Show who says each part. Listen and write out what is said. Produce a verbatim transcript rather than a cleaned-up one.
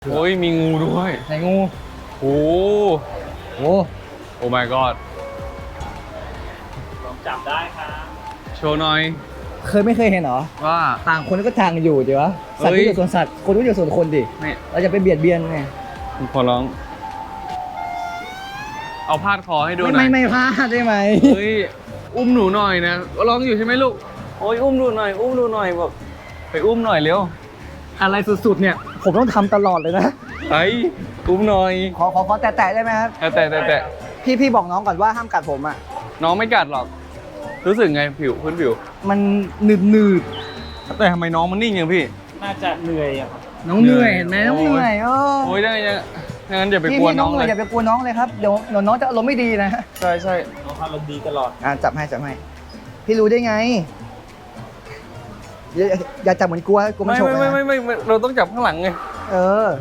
Speaker 1: โอ้ยมีงูด้วย
Speaker 2: ไหนงู
Speaker 1: โอ้
Speaker 2: โอ้
Speaker 1: โอ้ my god
Speaker 3: ลองจับได้ครับ
Speaker 1: โชว์หน่อย
Speaker 2: เคยไม่เคยเห็นเหรอ
Speaker 1: ว่า
Speaker 2: ต่างคนก็ต่างอยู่ดีวะสัตว์
Speaker 1: เฮ้ย
Speaker 2: ก็อยู่ส่วนสัตว์คนก็อยู่ส่วนคนดิ
Speaker 1: นี่
Speaker 2: เราจะไปเบียดเบียนไง
Speaker 1: ผมขอร้อง เอาพาดคอให้ดูหน่
Speaker 2: ไม่
Speaker 1: อย
Speaker 2: ไม่ไม่พลาดได้ไหม
Speaker 1: เฮ้ย อุ้มหนูหน่อยนะร้องอยู่ใช่ไหมลูก โอ้ยอุ้มดูหน่อย อุ้มดูหน่อยบอกไปอุ้มหน่อยเร็ว
Speaker 2: อะไรสุดๆเนี่ย ผมต้องทำตลอดเลยนะ
Speaker 1: ไอ้อุ้มหน่อย
Speaker 2: ขอขอขอแตะๆได้ไหมครับ
Speaker 1: แต่แต่แต่แต่
Speaker 2: พี่พี่บอกน้องก่อนว่าห้ามกัดผมอ่ะ
Speaker 1: น้องไม่กัดหรอก รู้สึกไงผิวพื้นผิว
Speaker 2: มันหนืดหนืด
Speaker 1: แต่ทำไมน้องมันนิ่งอย่างพี่
Speaker 3: น่าจะเหนื่อยอะครับ
Speaker 2: ๆน้องเหนื่อยเห็นไหมน้องเหนื่อยเออ
Speaker 1: โอ้ยได้ยังงั้นอย่าไป
Speaker 2: พี่
Speaker 1: กลัว
Speaker 2: พี่
Speaker 1: น้
Speaker 2: น้
Speaker 1: อ
Speaker 2: อง งเห
Speaker 1: เล
Speaker 2: นื่อย
Speaker 1: ย
Speaker 2: อย่าไปกลัวน้องเลยครับเดี๋ยวเดี๋ยวน้องจะอารมณ์ไม่ดีนะ
Speaker 1: ใช่ใช่
Speaker 3: น้องอารมณ์ดีตลอด
Speaker 2: อ่าจับให้จับให้ พี่รู้ได้ไง อย่าอย่าจับเหมือนกลัวกลัวมัน
Speaker 1: ไม่
Speaker 2: ฉก
Speaker 1: ไม่
Speaker 2: นะ
Speaker 1: ไม่ไม่ไม่เราต้องจับข้างหลังไง
Speaker 2: เออ